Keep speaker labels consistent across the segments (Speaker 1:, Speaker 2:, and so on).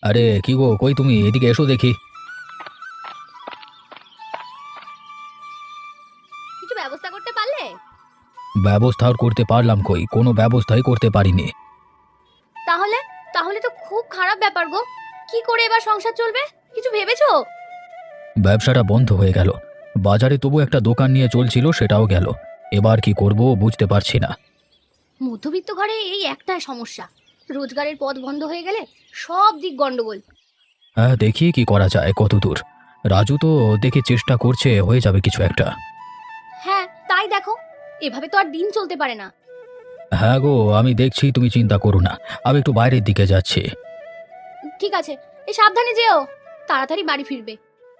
Speaker 1: আরে কি গো, কই তুমি? এদিকে এসো দেখি।
Speaker 2: কিছু ব্যবস্থা করতে পারলে?
Speaker 1: ব্যবস্থা আর করতে পারলাম কই? কোনো ব্যবস্থাই করতে পারিনি।
Speaker 2: তাহলে তাহলে তো খুব খারাপ ব্যাপার গো। কি করে এবার সংসার চলবে? কিছু ভেবেছো?
Speaker 1: ব্যবসাটা বন্ধ হয়ে গেল। বাজারে তবু একটা দোকান নিয়ে চলছিল, সেটাও গেল। এবার কি করব বুঝতে পারছি না।
Speaker 2: মধ্যবিত্ত ঘরে এই একটাই সমস্যা, রোজগারের পথ বন্ধ হয়ে গেলে সব দিক গন্ডগোল।
Speaker 1: হ্যাঁ, দেখি কি করা যায়, কত দূর। রাজু তো দেখি চেষ্টা করছে, হয়ে যাবে কিছু একটা।
Speaker 2: হ্যাঁ তাই দেখো, এভাবে তো আর দিন চলতে পারে না।
Speaker 1: হ্যাঁ গো, আমি দেখছি, তুমি চিন্তা করো না। আমি একটু বাইরের দিকে যাচ্ছি।
Speaker 2: ঠিক আছে, এই সাবধানে যেও, তাড়াতাড়ি বাড়ি ফিরবে।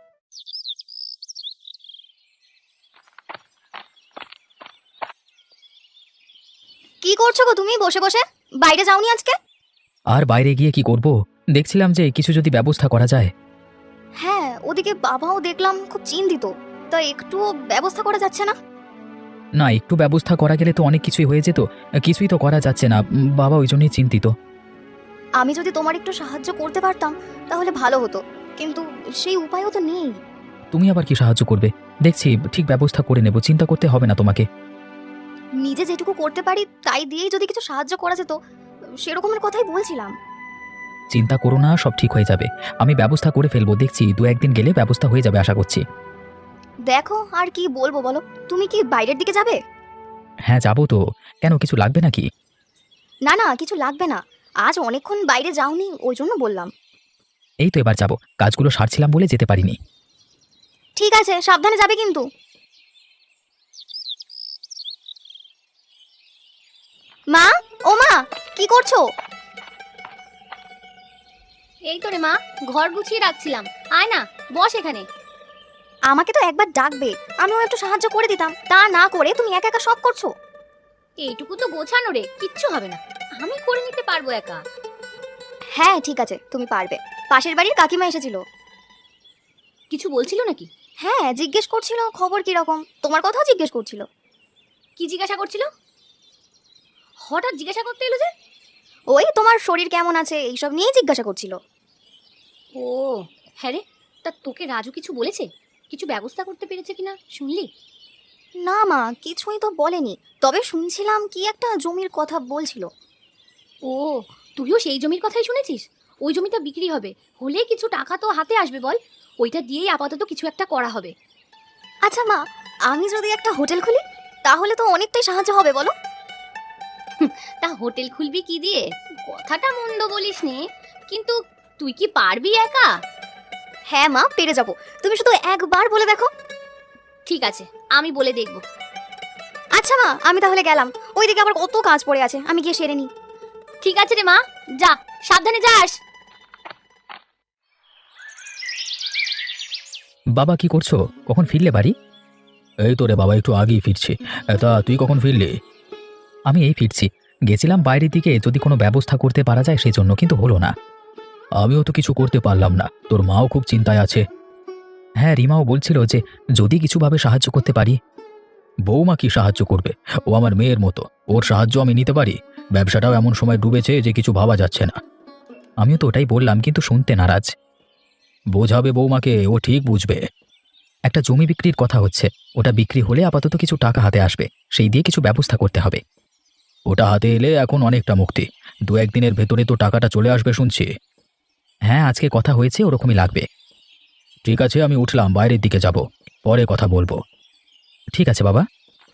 Speaker 2: কি করছো গো তুমি বসে বসে? বাইরে যাওনি আজকে?
Speaker 1: আর বাইরে গিয়ে কি করব? দেখছিলাম যে কিছু যদি ব্যবস্থা করা যায়।
Speaker 2: হ্যাঁ, ওদিকে বাবাও দেখলাম খুব চিন্তিত, তা একটুও ব্যবস্থা করা যাচ্ছে না।
Speaker 1: না, একটু ব্যবস্থা করা গেলে তো অনেক কিছুই হয়ে যেত। কিছুই তো করা যাচ্ছে না। বাবা ওই জন্যই চিন্তিত।
Speaker 2: আমি যদি তোমার একটু সাহায্য করতে পারতাম তাহলে ভালো হতো, কিন্তু সেই উপায়ও তো নেই।
Speaker 1: তুমি আবার কি সাহায্য করবে? দেখছি, ঠিক ব্যবস্থা করে নেব, চিন্তা করতে হবে না তোমাকে।
Speaker 2: নিজে যেটুকু করতে পারি তাই দিয়েই যদি কিছু সাহায্য করা যেত, সেরকমের কথাই বলছিলাম।
Speaker 1: চিন্তা করো না, সব ঠিক হয়ে যাবে। আমি ব্যবস্থা করে ফেলবো, দেখছি দু একদিন গেলে ব্যবস্থা হয়ে যাবে আশা করছি।
Speaker 2: দেখো আর কি বলবো বলো, তুমি কি বাইরের দিকে যাবে?
Speaker 1: হ্যাঁ যাবো তো। কেন, কিছু লাগবে নাকি?
Speaker 2: না না, কিছু লাগবে না, আজ অনেকক্ষণ বাইরে যাওনি ওই জন্য বললাম।
Speaker 1: এই তো এবার যাবো, কাজগুলো সারছিলাম বলে যেতে পারিনি।
Speaker 2: ঠিক আছে, সাবধানে যাবে কিন্তু। মা, ও মা, কি করছো? এই তো রে মা, ঘর গুছিয়ে রাখছিলাম। আয় না, বস এখানে। আমাকে তো একবার ডাকবে, আমিও একটু সাহায্য করে দিতাম, তা না করে তুমি একা একা সব করছো। এইটুকু তো গোছানো রে, কিচ্ছু হবে না, আমি করে নিতে পারবো একা। হ্যাঁ ঠিক আছে, তুমি পারবে। পাশের বাড়ির কাকিমা এসেছিল। কিছু বলছিল নাকি? হ্যাঁ, জিজ্ঞেস করছিল খবর কি রকম, তোমার কথাও জিজ্ঞেস করছিল। কি জিজ্ঞাসা করছিল? হঠাৎ জিজ্ঞাসা করতে এলো যে? ওই তোমার শরীর কেমন আছে এইসব নিয়েই জিজ্ঞাসা করছিল। ও হ্যাঁ রে, তা তোকে রাজু কিছু বলেছে? কিছু ব্যবস্থা করতে পেরেছে কিনা শুনলি? না মা, কিছুই তো বলেনি, তবে শুনছিলাম কি একটা জমির কথা বলছিল। ও, তুইও সেই জমির কথাই শুনেছিস? ওই জমিটা বিক্রি হবে, হলে কিছু টাকা তো হাতে আসবে বল, ওইটা দিয়েই আপাতত কিছু একটা করা হবে। আচ্ছা মা, আমি যদি একটা হোটেল খুলি তাহলে তো অনেকটাই সাহায্য হবে বলো। তা হোটেল খুলবি কি দিয়ে? কথাটা মন্দ বলিসনি, কিন্তু তুই কি পারবি একা? হ্যাঁ মা, পেরে যাব, তুমি শুধু একবার বলে দেখো। ঠিক আছে, আমি বলে দেখব। আচ্ছা মা, আমি তাহলে গেলাম, ওইদিকে আবার কত কাজ পড়ে আছে, আমি গিয়ে সেরে নিই। ঠিক আছে রে মা, যা, সাবধানে যাস।
Speaker 1: বাবা কি করছো? কখন ফিরলে বাড়ি? এই তো রে বাবা, একটু আগেই ফিরছি। তা তুই কখন ফিরলি? আমি এই ফিরছি। গেছিলাম বাইরের দিকে, যদি কোনো ব্যবস্থা করতে পারা যায় সেই জন্য, কিন্তু হলো না। আমিও তো কিছু করতে পারলাম না, তোর মাও খুব চিন্তায় আছে। হ্যাঁ, রিমাও বলছিল যে যদি কিছুভাবে সাহায্য করতে পারি। বৌমা কি সাহায্য করবে? ও আমার মেয়ের মতো, ওর সাহায্য আমি নিতে পারি? ব্যবসাটাও এমন সময় ডুবেছে যে কিছু ভাবা যাচ্ছে না। আমিও তো ওটাই বললাম, কিন্তু শুনতে নারাজ। বোঝাবে বৌমাকে, ও ঠিক বুঝবে। একটা জমি বিক্রির কথা হচ্ছে, ওটা বিক্রি হলে আপাতত কিছু টাকা হাতে আসবে, সেই দিয়ে কিছু ব্যবস্থা করতে হবে। ওটা হাতে এলে এখন অনেকটা মুক্তি। দু একদিনের ভেতরে তো টাকাটা চলে আসবে শুনছি। হ্যাঁ, আজকে কথা হয়েছে, ওরকমই লাগবে। ঠিক আছে, আমি উঠলাম, বাইরের দিকে যাব, পরে কথা বলবো। ঠিক আছে বাবা।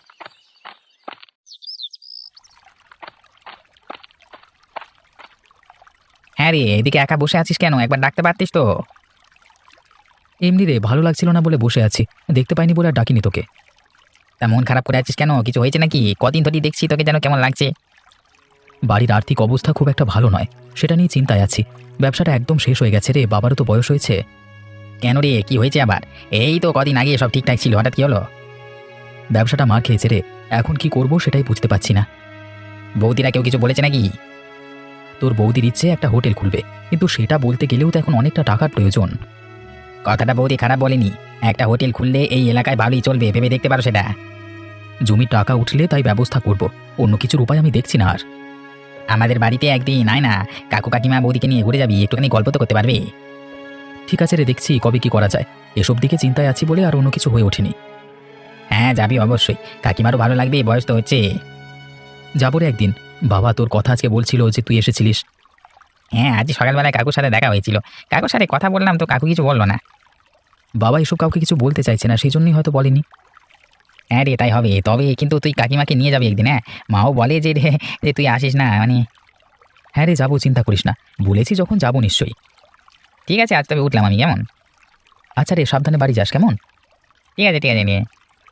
Speaker 3: হ্যাঁ রে, এদিকে একা বসে আছিস কেন? একবার ডাকতে পারতিস তো।
Speaker 1: এমনি রে, ভালো লাগছিল না বলে বসে আছি, দেখতে পাইনি বলে আর ডাকিনি তোকে।
Speaker 3: তা মন খারাপ করে আছিস কেন? কিছু হয়েছে নাকি? কদিন ধরেই দেখছি তোকে যেন কেমন লাগছে।
Speaker 1: বাড়ির আর্থিক অবস্থা খুব একটা ভালো নয়, সেটা নিয়ে চিন্তায় আছি। ব্যবসাটা একদম শেষ হয়ে গেছে রে, বাবারও তো বয়স হয়েছে।
Speaker 3: কেন রে, কি হয়েছে আবার? এই তো কদিন আগে সব ঠিকঠাক ছিল, হঠাৎ কি হলো?
Speaker 1: ব্যবসাটা মার খেয়েছে রে, এখন কি করব সেটাই বুঝতে পারছি না।
Speaker 3: বৌদিরা কেউ কিছু বলেছে নাকি?
Speaker 1: তোর বৌদির ইচ্ছে একটা হোটেল খুলবে, কিন্তু সেটা বলতে গেলেও তো এখন অনেকটা টাকার প্রয়োজন।
Speaker 3: কথাটা বৌদি খারাপ বলেনি, একটা হোটেল খুললে এই এলাকায় ভালোই চলবে, ভেবে দেখতে পারো সেটা।
Speaker 1: জমির টাকা উঠলে তাই ব্যবস্থা করব, অন্য কিছুর উপায় আমি দেখছি না আর।
Speaker 3: আমাদের বাড়িতে একদিন আয় না, কাকু কাকিমা বৌদিকে নিয়ে ঘুরে যাবি, একটুখানি গল্প তো করতে পারবে।
Speaker 1: ঠিক আছে রে, দেখছি কবে কি করা যায়। এসব দিকে চিন্তায় আছি বলে আর অন্য কিছু হয়ে ওঠেনি।
Speaker 3: হ্যাঁ যাবি অবশ্যই, কাকিমারও ভালো লাগবে, বয়স তো হচ্ছে।
Speaker 1: যাবো রে একদিন। বাবা তোর কথা আজকে বলছিল যে তুই এসেছিলিস।
Speaker 3: হ্যাঁ আজ সকালবেলায় কাকুর সাথে দেখা হয়েছিল, কাকুর সাথে কথা বললাম তো কাকু কিছু বললো না।
Speaker 1: বাবা এসব কাউকে কিছু বলতে চাইছে না, সেই জন্যই হয়তো বলেনি।
Speaker 3: হ্যাঁ রে তাই হবে, তবে কিন্তু তুই কাকিমাকে নিয়ে যাবি একদিন। হ্যাঁ মাও বলে যে রে যে তুই আসিস না মানে।
Speaker 1: হ্যাঁ রে যাবো, চিন্তা করিস না, বলেছি যখন যাবো নিশ্চয়ই।
Speaker 3: ঠিক আছে আজ তবে উঠলাম আমি, কেমন?
Speaker 1: আচ্ছা রে, সাবধানে বাড়ি যাস কেমন।
Speaker 3: ঠিক আছে ঠিক আছে নিয়ে।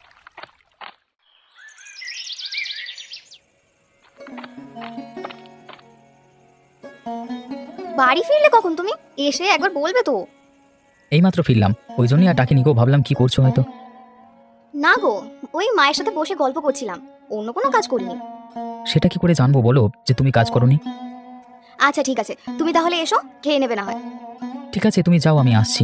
Speaker 2: বাড়ি ফিরলে কখন তুমি? এসে একবার বলবে তো।
Speaker 1: এইমাত্র ফিরলাম, ওই জন্যই আর ডাকিনি গো, ভাবলাম কি করছো হয়তো।
Speaker 2: না গো, ওই মায়ের সাথে বসে গল্প করছিলাম, অন্য কোনো কাজ করিনি।
Speaker 1: সেটা কি করে জানবো বলো যে তুমি কাজ করোনি?
Speaker 2: আচ্ছা ঠিক আছে, তুমি তাহলে এসো, খেয়ে নেবে না হয়।
Speaker 1: ঠিক আছে তুমি যাও, আমি আসছি।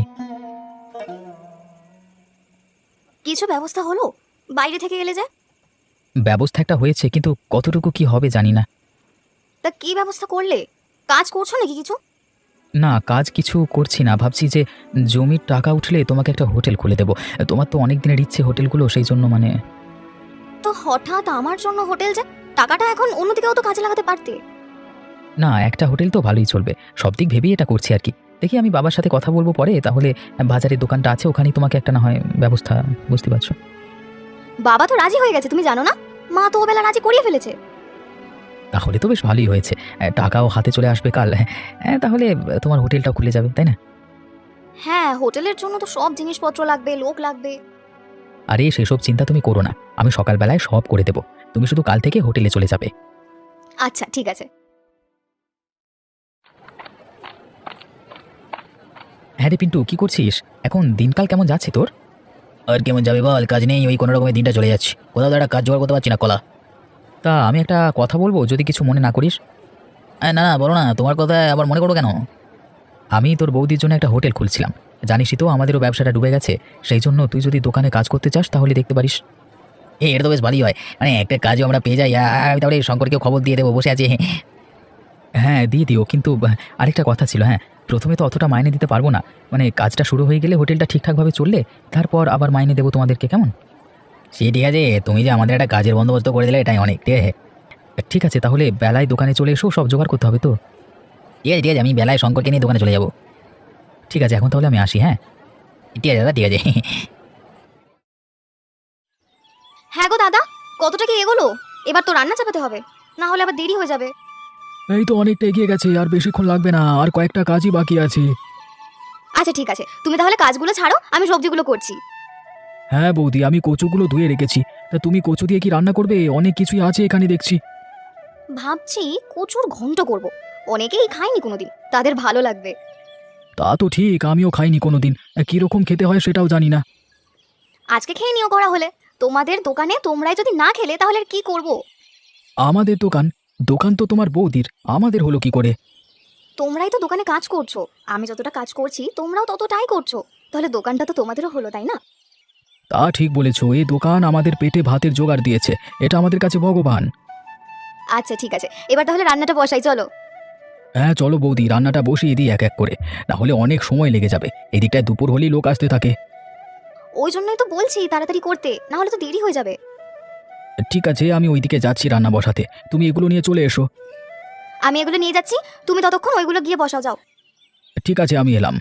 Speaker 2: কিছু ব্যবস্থা হলো বাইরে থেকে এলে যে?
Speaker 1: ব্যবস্থা একটা হয়েছে, কিন্তু কতটুকু কি হবে জানি না।
Speaker 2: তা কি ব্যবস্থা করলে? কাজ করছো নাকি কিছু?
Speaker 1: না, কাজ কিছু করছি না, ভাবছি যে জমির টাকা উঠলে তোমাকে একটা হোটেল খুলে দেবো। তোমার তো অনেক দিনের ইচ্ছে হোটেলগুলো, সেই জন্য মানে।
Speaker 2: তো হঠাৎ আমার জন্য হোটেল যে? টাকাটা এখন অন্যদিকেও তো কাজে লাগাতে পারতে।
Speaker 1: না, একটা হোটেল তো ভালোই চলবে, সব দিক ভেবেই এটা করছি আর কি। দেখি আমি বাবার সাথে কথা বলবো পরে, তাহলে বাজারে দোকানটা আছে ওখানেই তোমাকে একটা না হয় ব্যবস্থা, বুঝতে পারছো।
Speaker 2: বাবা তো রাজি হয়ে গেছে, তুমি জানো না? মা তো ওবেলা রাজি করিয়ে ফেলেছে।
Speaker 1: তাহলে তো বেশ ভালোই হয়েছে, টাকাও হাতে চলে আসবে কাল। তাহলে তোমার হোটেলটাও খুলে যাবে, তাই না?
Speaker 2: হ্যাঁ, হোটেলের জন্য তো সব জিনিসপত্র লাগবে, লোক লাগবে।
Speaker 1: আরে সেসব চিন্তা তুমি করো না, আমি সকালবেলায় সব করে দেবো, তুমি শুধু কাল থেকে হোটেলে চলে যাবে।
Speaker 2: আচ্ছা ঠিক আছে।
Speaker 1: হ্যাঁ রে পিন্টু, কি করছিস এখন? দিনকাল কেমন যাচ্ছে তোর?
Speaker 3: আর কেমন যাবে বল, কাজ নেই, ওই কোনো রকমের দিনটা চলে যাচ্ছে, কোথাও তো একটা কাজ জোগাড় করতে পারছি না কলা।
Speaker 1: তা আমি একটা কথা বলবো, যদি কিছু মনে না করিস।
Speaker 3: না না বলো না, তোমার কথা আবার মনে করো কেন?
Speaker 1: আমি তোর বৌদির জন্য একটা হোটেল খুলছিলাম, জানিসই তো আমাদেরও ব্যবসাটা ডুবে গেছে, সেই জন্য তুই যদি দোকানে কাজ করতে চাস তাহলে দেখতে পারিস।
Speaker 3: এটা তো বেশ ভালোই হয়, মানে একটা কাজও আমরা পেয়ে যাই, আমি তাহলে শঙ্করকেও খবর দিয়ে দেবো, বসে আছে।
Speaker 1: হ্যাঁ দিয়ে দিও, কিন্তু আরেকটা কথা ছিল। হ্যাঁ, প্রথমে তো অতটা মাইনে দিতে পারবো না, মানে কাজটা শুরু হয়ে গেলে হোটেলটা ঠিকঠাকভাবে চললে তারপর আবার মাইনে দেবো তোমাদেরকে, কেমন?
Speaker 3: সে ঠিক আছে, তুমি যে আমাদের একটা কাজের বন্দোবস্ত করে দিলে এটাই অনেক। ঠিক আছে
Speaker 1: ঠিক আছে, তাহলে বেলায় দোকানে চলে এসো, সব জোগাড় করতে হবে তো।
Speaker 3: ঠিক আছে ঠিক আছে, আমি বেলায় শঙ্করকে নিয়ে দোকানে চলে যাবো।
Speaker 1: ঠিক আছে, এখন তাহলে আমি আসি। হ্যাঁ
Speaker 3: ঠিক আছে দাদা, ঠিক আছে।
Speaker 2: হ্যাঁ গো দাদা, কতটা কি এগোলো? এবার তো রান্না চাপাতে হবে, না হলে আবার দেরি হয়ে যাবে।
Speaker 1: এই তো অনেকটা এগিয়ে গেছে, আর বেশিক্ষণ লাগবে না, আর কয়েকটা কাজই বাকি আছে।
Speaker 2: আচ্ছা ঠিক আছে, তুমি তাহলে কাজগুলো ছাড়ো, আমি সবজিগুলো করছি।
Speaker 1: হ্যাঁ বৌদি, আমি কচুগুলো ধুয়ে রেখেছি, তা তুমি কচু দিয়ে কি রান্না করবে? অনেক কিছুই আছে এখানে দেখছি।
Speaker 2: ভাবছি কচুর ঘন্ট করব, অনেকেই খায়নি কোনোদিন, তাদের ভালো লাগবে।
Speaker 1: তা তো ঠিক, আমিও খাইনি কোনোদিন, কিরকম খেতে হয় সেটাও জানি না।
Speaker 2: আজকে খেয়ে নিও করা হলে, তোমাদের দোকানে তোমরাই যদি না খেলে তাহলে আর কি করব?
Speaker 1: আমাদের দোকান? দোকান তো তোমার বৌদির, আমাদের হলো কি করে?
Speaker 2: তোমরাই তো দোকানে কাজ করছো, আমি যতটা কাজ করছি তোমরাও ততটাই করছো, তাহলে দোকানটা তো তোমাদেরও হলো, তাই না?
Speaker 1: তা ঠিক বলেছো, এই দোকান আমাদের পেটে ভাতের জোগাড় দিয়েছে, এটা আমাদের কাছে ভগবান।
Speaker 2: আচ্ছা ঠিক আছে, এবার তাহলে রান্নাটা বসাই, চলো।
Speaker 1: হ্যাঁ চলো বৌদি, রান্নাটা বসিয়ে দিই এক এক করে, না হলে অনেক সময় লেগে যাবে, এদিকটায় দুপুর হলেই লোক আসতে থাকে।
Speaker 2: ওই জন্যই তো বলছি তাড়াতাড়ি করতে, না হলে তো দেরি হয়ে যাবে।
Speaker 1: ঠিক আছে, আমি ওইদিকে যাচ্ছি রান্না বসাতে, তুমি এগুলো নিয়ে চলে এসো।
Speaker 2: আমি এগুলো নিয়ে যাচ্ছি, তুমি ততক্ষণ ওইগুলো গিয়ে বসাও, যাও।
Speaker 1: ঠিক আছে, আমি এলাম।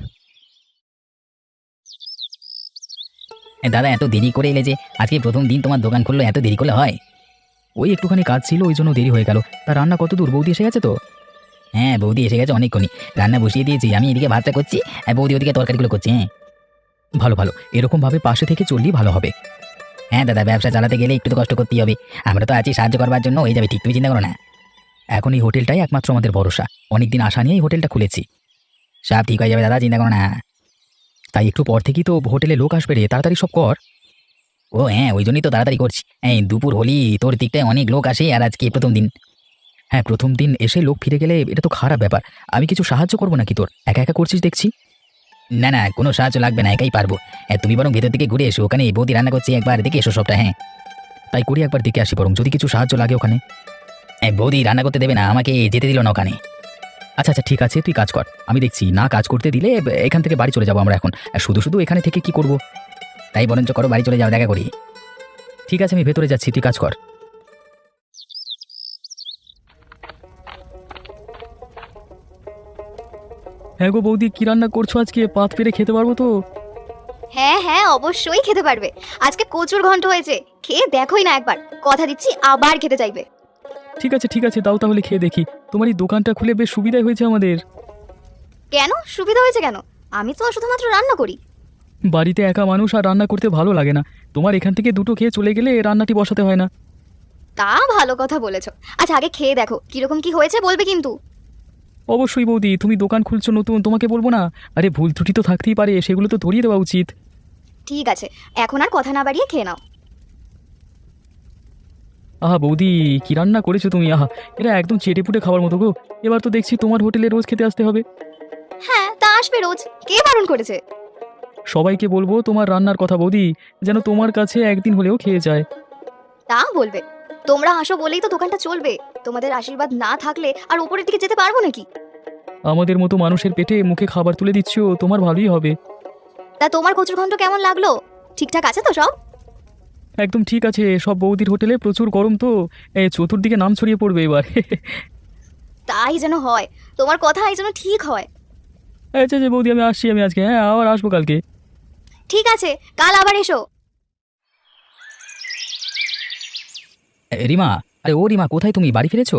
Speaker 3: দাদা এত দেরি করে এলে যে, আজকে প্রথম দিন তোমার দোকান খুললো, এত দেরি করলে হয়?
Speaker 1: ওই একটুখানি কাজ ছিল, ওই জন্য দেরি হয়ে গেল। তা রান্না কত দূর? বৌদি এসে গেছে তো?
Speaker 3: হ্যাঁ বৌদি এসে গেছে অনেকক্ষণই, রান্না বসিয়ে দিয়েছি, আমি এদিকে ভাতটা করছি আর বৌদি ওদিকে তরকারিগুলো করছে। হ্যাঁ
Speaker 1: ভালো ভালো, এরকমভাবে পাশে থেকে চললেই ভালো হবে।
Speaker 3: হ্যাঁ দাদা, ব্যবসা চালাতে গেলে একটু তো কষ্ট করতেই হবে, আমরা তো আছি সাহায্য করবার জন্য, হয়ে যাবে ঠিক, তুমি চিন্তা করো না।
Speaker 1: এখন এই হোটেলটাই একমাত্র আমাদের ভরসা, অনেকদিন আশা নিয়ে এই হোটেলটা খুলেছি।
Speaker 3: সব ঠিক হয়ে যাবে দাদা, চিন্তা করো না।
Speaker 1: তাই একটু পর থেকেই তো হোটেলে লোক আসবে রে, তাড়াতাড়ি সব কর।
Speaker 3: ও হ্যাঁ, ওই জন্যই তো তাড়াতাড়ি করছি, এই দুপুর হলি তোর দিকটায় অনেক লোক আসে, আর আজকে প্রথম দিন।
Speaker 1: হ্যাঁ, প্রথম দিন এসে লোক ফিরে গেলে এটা তো খারাপ ব্যাপার। আমি কিছু সাহায্য করবো নাকি তোর? একা একা করছিস দেখছি।
Speaker 3: না না, কোনো সাহায্য লাগবে না, একাই পারবো। তুমি বরং ভেতর দিকে ঘুরে এসো, ওখানে বৌদি রান্না করছে, একবার দেখে এসো সবটা। হ্যাঁ
Speaker 1: তাই করি, একবার দেখে আসি বরং, যদি কিছু সাহায্য লাগে ওখানে।
Speaker 3: বৌদি রান্না করতে দেবে না, আমাকে যেতে দিল না ওখানে।
Speaker 1: আচ্ছা আচ্ছা ঠিক আছে, তুই কাজ কর, আমি দেখছি। না কাজ করতে দিলে এখান থেকে বাড়ি চলে যাবো আমরা এখন। আর শুধু শুধু এখানে থেকে কি করব?
Speaker 3: তাই বরঞ্চ করো, বাড়ি চলে যাও, দেখা করি।
Speaker 1: ঠিক আছে, আমি ভেতরে যাচ্ছি, তুই কাজ কর। হ্যাঁ গো বৌদি, কি রান্না করছো আজকে? পাত পেরে খেতে পারবো তো?
Speaker 2: হ্যাঁ হ্যাঁ, অবশ্যই খেতে পারবে। আজকে কচুর ঘন্ট হয়েছে, খেয়ে দেখোই না একবার, কথা দিচ্ছি আবার খেতে চাইবে।
Speaker 1: ঠিক আছে, দাও তাহলে খেয়ে দেখি। তোমার এই দোকানটা খুলে বেশ সুবিধাই হয়েছে আমাদের।
Speaker 2: কেন সুবিধা হয়েছে কেন? আমি তো শুধুমাত্র রান্না করি।
Speaker 1: বাড়িতে একা মানুষ, আর রান্না করতে ভালো লাগে না। তোমার এখান থেকে দুটো খেয়ে চলে গেলে রান্নাটি বসাতে হয় না।
Speaker 2: তা ভালো কথা বলেছো। আচ্ছা আগে খেয়ে দেখো কিরকম কি হয়েছে, বলবে কিন্তু।
Speaker 1: অবশ্যই বৌদি, তুমি দোকান খুলছো নতুন, তোমাকে বলবো না? আরে ভুল ত্রুটি তো থাকতেই পারে, সেগুলো তো ধরিয়ে দেওয়া উচিত।
Speaker 2: ঠিক আছে, এখন আর কথা না বাড়িয়ে খেয়ে নাও।
Speaker 1: আহা বৌদি, কি রান্না করেছো তুমি! আহা, এটা একদম চেটেপুটে খাবার মতো গো। এবার তো দেখছি তোমার হোটেলে রোজ খেতে আসতে হবে।
Speaker 2: হ্যাঁ তা আসবে রোজ, কে বারণ করেছে?
Speaker 1: সবাইকে বলবো তোমার রান্নার কথা বৌদি, যেন তোমার কাছে একদিন হলেও খেয়ে যায়।
Speaker 2: তা বলবে। তোমরা আসো বলেই তো দোকানটা চলবে। তোমাদের আশীর্বাদ না থাকলে আর উপরের দিকে যেতে পারবো নাকি?
Speaker 1: আমাদের মতো মানুষের পেটে মুখে খাবার তুলে দিচ্ছ, তোমার ভালোই হবে।
Speaker 2: তা তোমার কচুর ঘন্ট কেমন লাগলো? ঠিকঠাক আছে তো সব?
Speaker 1: একদম ঠিক আছে, সব বৌদির হোটেলে প্রচুর গরম তো, চতুর্দিকে নাম ছড়িয়ে পড়বে এবার।
Speaker 2: তাই যেন হয়, তোমার কথাই যেন ঠিক হয়।
Speaker 1: আচ্ছা আচ্ছা বৌদি, আমি আসছি, আমি আজকে, হ্যাঁ আবার আসবো কালকে।
Speaker 2: ঠিক আছে, কাল আবার এসো।
Speaker 1: রিমা, আরে ও রিমা, কোথায় তুমি? বাড়ি ফিরেছো?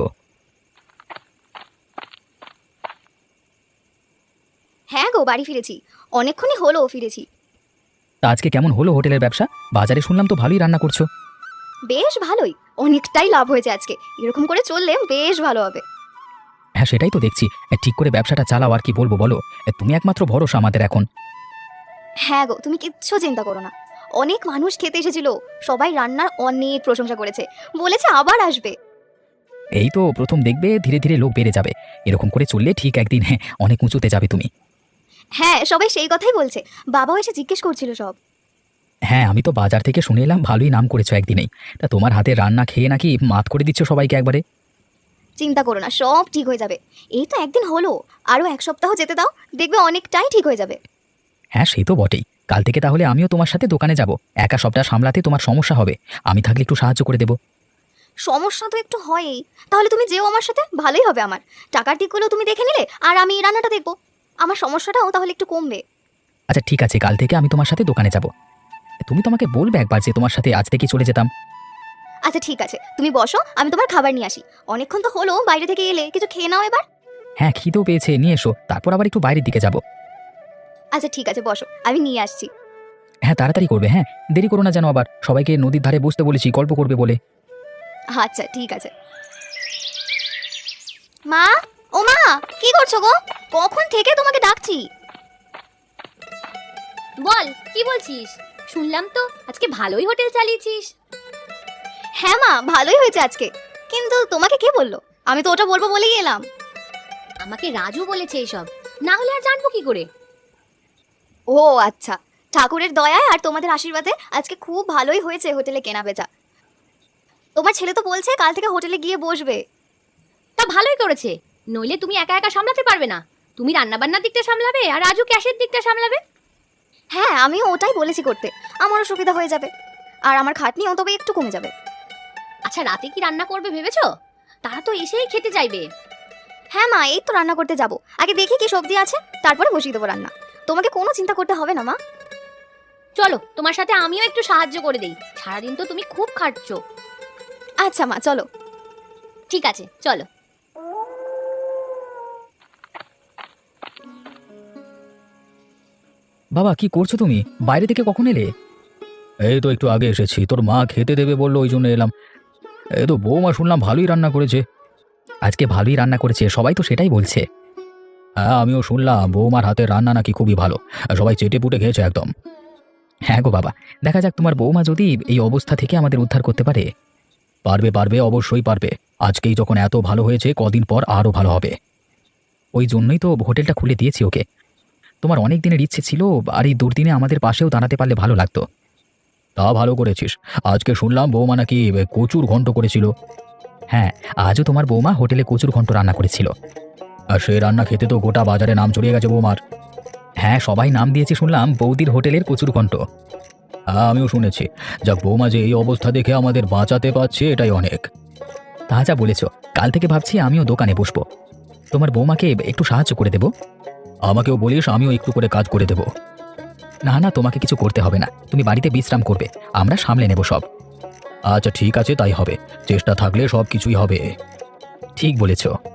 Speaker 2: হ্যাঁ গো, বাড়ি ফিরেছি। অনেকক্ষণই হলো ফিরেছি।
Speaker 1: তা আজকে কেমন হলো হোটেলের ব্যবসা? বাজারে শুনলাম তো ভালোই রান্না করছো।
Speaker 2: বেশ ভালোই, অনেকটাই লাভ হয়েছে আজকে। এরকম করে চললে বেশ ভালো হবে।
Speaker 1: হ্যাঁ সেটাই তো দেখছি। ঠিক করে ব্যবসাটা চালাও, আর কি বলবো বলো। তুমি একমাত্র ভরসা আমাদের এখন।
Speaker 2: হ্যাঁ গো, তুমি কিচ্ছু চিন্তা করো না। অনেক মানুষ খেতে এসেছিল, সবাই রান্নার অনেক প্রশংসা করেছে, বলেছে আবার আসবে।
Speaker 1: এই তো প্রথম, দেখবে ধীরে ধীরে লোক বেড়ে যাবে। এরকম করে চললে ঠিক একদিন অনেক উঁচুতে যাবে তুমি।
Speaker 2: হ্যাঁ সবাই সেই কথাই বলছে, বাবাও এসে জিজ্ঞেস করছিল সব।
Speaker 1: হ্যাঁ, আমি তো বাজার থেকে শুনে এলাম ভালোই নাম করেছো একদিনেই। তা তোমার হাতে রান্না খেয়ে নাকি মাত করে দিচ্ছ সবাইকে একবারে।
Speaker 2: চিন্তা করো না, সব ঠিক হয়ে যাবে। এই তো একদিন হলো, আরো এক সপ্তাহ যেতে দাও, দেখবে অনেকটাই ঠিক হয়ে যাবে।
Speaker 1: হ্যাঁ সে তো বটেই। কাল থেকে তাহলে আমিও তোমার সাথে দোকানে যাব। একা সবটা সামলাতে তোমার সমস্যা হবে, আমি থাকলে একটু সাহায্য করে দেবো।
Speaker 2: সমস্যা তো একটু হয়ই, তাহলে তুমি যেও আমার সাথে, ভালোই হবে আমার। টাকার দিকগুলো তুমি দেখে নিলে, আর আমি রান্নাটা দেখবো। আমার সমস্যাটাও তাহলে একটু কমবে।
Speaker 1: আচ্ছা ঠিক আছে, কাল থেকে আমি তোমার সাথে দোকানে যাব। তুমি তোমাকে বলবে একবার যে তোমার সাথে আজ থেকে চলে যেতাম।
Speaker 2: আচ্ছা ঠিক আছে, তুমি বসো, আমি তোমার খাবার নিয়ে আসি। অনেকক্ষণ তো হলো বাইরে থেকে এলে, কিছু খেয়ে নাও এবার।
Speaker 1: হ্যাঁ খিদেও পেয়েছে, নিয়ে এসো, তারপর আবার একটু বাইরের দিকে যাব।
Speaker 2: আচ্ছা ঠিক আছে, বসো, আমি নিয়ে আসছি।
Speaker 1: হ্যাঁ তাড়াতাড়ি করবে, হ্যাঁ দেরি করো না যেন আবার। সবাইকে নদীর ধারে বসতে বলেছি, গল্প করবে বলে।
Speaker 2: আচ্ছা ঠিক আছে। মা, ও মা, কি করছো গো? কখন থেকে তোমাকে ডাকছি।
Speaker 4: বল, কি বলছিস? শুনলাম তো আজকে ভালোই হোটেল চালিয়েছিস।
Speaker 2: হ্যাঁ মা, ভালোই হয়েছে আজকে। কিন্তু তোমাকে কে বললো? আমি তো ওটা বলবো বলেই এলাম।
Speaker 4: আমাকে রাজু বলেছে এসব, না হলে আর জানবো কি করে?
Speaker 2: ও আচ্ছা, ঠাকুরের দয়ায় আর তোমাদের আশীর্বাদে আজকে খুব ভালোই হয়েছে হোটেলে কেনা বেচা। তোমার ছেলে তো বলছে কাল থেকে হোটেলে গিয়ে বসবে।
Speaker 4: তা ভালোই করেছে, নইলে তুমি একা একা সামলাতে পারবে না। তুমি রান্না বান্নার দিকটা সামলাবে আর রাজু ক্যাশের দিকটা সামলাবে।
Speaker 2: হ্যাঁ আমিও ওটাই বলেছি করতে, আমারও সুবিধা হয়ে যাবে, আর আমার খাটনিও তবে একটু কমে যাবে।
Speaker 4: আচ্ছা রাতে কি রান্না করবে ভেবেছো? তারা তো এসেই খেতে চাইবে।
Speaker 2: হ্যাঁ মা, এই তো রান্না করতে যাব। আগে দেখি কি সবজি আছে, তারপরে বসিয়ে দেবো রান্না। তোমাকে কোনো চিন্তা করতে হবে না মা।
Speaker 4: চলো, তোমার সাথে আমিও একটু সাহায্য করে দেই। সারাদিন তো তুমি খুব খাটছো।
Speaker 2: আচ্ছা মা, চলো।
Speaker 4: ঠিক আছে চলো।
Speaker 1: বাবা কি করছো তুমি? বাইরে থেকে কখন এলে? এই তো একটু আগে এসেছি, তোর মা খেতে দেবে বললো, ওই জন্য এলাম। এই তো বৌমা শুনলাম ভালোই রান্না করেছে। আজকে ভালোই রান্না করেছে, সবাই তো সেটাই বলছে। হ্যাঁ আমিও শুনলাম বৌমার হাতের রান্না নাকি খুবই ভালো, সবাই চেটে পুটে খেয়েছে একদম। হ্যাঁ গো বাবা, দেখা যাক তোমার বৌমা যদি এই অবস্থা থেকে আমাদের উদ্ধার করতে পারে। পারবে পারবে, অবশ্যই পারবে। আজকেই যখন এত ভালো হয়েছে, কদিন পর আরও ভালো হবে। ওই জন্যই তো হোটেলটা খুলে দিয়েছি ওকে। তোমার অনেক দিনের ইচ্ছে ছিল, আর এই দুর্দিনে আমাদের পাশেও দাঁড়াতে পারলে ভালো লাগতো। তা ভালো করেছিস। আজকে শুনলাম বৌমা নাকি কচুর ঘন্ট করেছিল। হ্যাঁ, আজও তোমার বৌমা হোটেলে কচুর ঘন্ট রান্না করেছিল। আর সেই রান্না খেতে তো গোটা বাজারে নাম ছড়িয়ে গেছে বৌমার। হ্যাঁ, সবাই নাম দিয়েছে শুনলাম বৌদির হোটেলের কচুর ঘন্ট। হ্যাঁ, আমিও শুনেছি। যাক, বৌমা যে এই অবস্থা দেখে আমাদের বাঁচাতে পারছে এটাই অনেক। তা যা বলেছ, কাল থেকে ভাবছি আমিও দোকানে বসবো। তোমার বৌমাকে একটু সাহায্য করে দেব। আমাকেও বলিস, আমিও একটু করে কাজ করে দেব। না না, তোমাকে কিছু করতে হবে না, তুমি বাড়িতে বিশ্রাম করবে, আমরা সামলে নেব সব। আচ্ছা ঠিক আছে, তাই হবে। চেষ্টা থাকলে সব কিছুই হবে। ঠিক বলেছ।